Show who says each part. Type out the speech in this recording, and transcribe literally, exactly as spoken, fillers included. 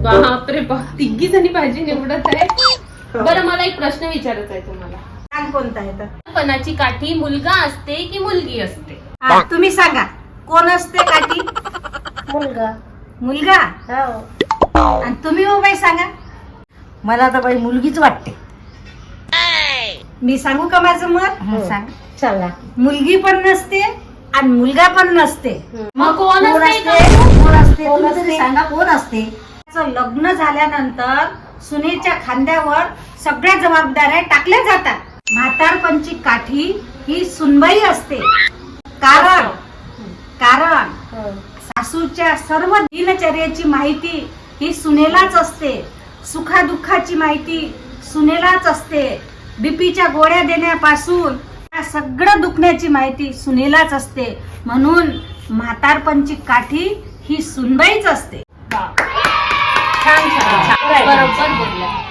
Speaker 1: बापरे बाप, तिघी जणी भाजी निवडत आहे. बरं, मला एक प्रश्न विचारायचा आहे तुम्हाला.
Speaker 2: सांग कोणता आहे तर.
Speaker 1: पणाची काठी मुलगा असते की मुलगी असते?
Speaker 2: हा, तुम्ही सांगा कोण असते काठी?
Speaker 3: मुलगा.
Speaker 2: मुलगा.
Speaker 3: हो.
Speaker 2: आणि तुम्ही हो बाई सांगा.
Speaker 3: मला तर बाई मुलगीच वाटते.
Speaker 2: मी सांगू का माझं मत?
Speaker 3: सांग. चला.
Speaker 2: मुलगी पण नसते आणि मुलगा पण नसते.
Speaker 1: मग कोण
Speaker 3: कोण
Speaker 1: असते?
Speaker 3: असते? कोण असते?
Speaker 2: कोण
Speaker 3: तुम्ही तरी
Speaker 2: असते?
Speaker 3: सांगा कोण असते?
Speaker 2: त्याचं लग्न झाल्यानंतर सुनेच्या खांद्यावर सगळ्या जबाबदाऱ्या टाकल्या जातात. म्हातारपणची काठी ही सुनबाई असते. कारण कारण सासूच्या सर्व दिनचर्येची माहिती ही सुनेलाच असते. सुखादुःखाची माहिती सुनेलाच असते. बीपीच्या गोळ्या देण्यापासून या सगळं दुखण्याची माहिती सुनेलाच असते. म्हणून म्हातारपणची काठी ही सुनबाईच असते.
Speaker 1: छान छान, बरोबर बोलल्या.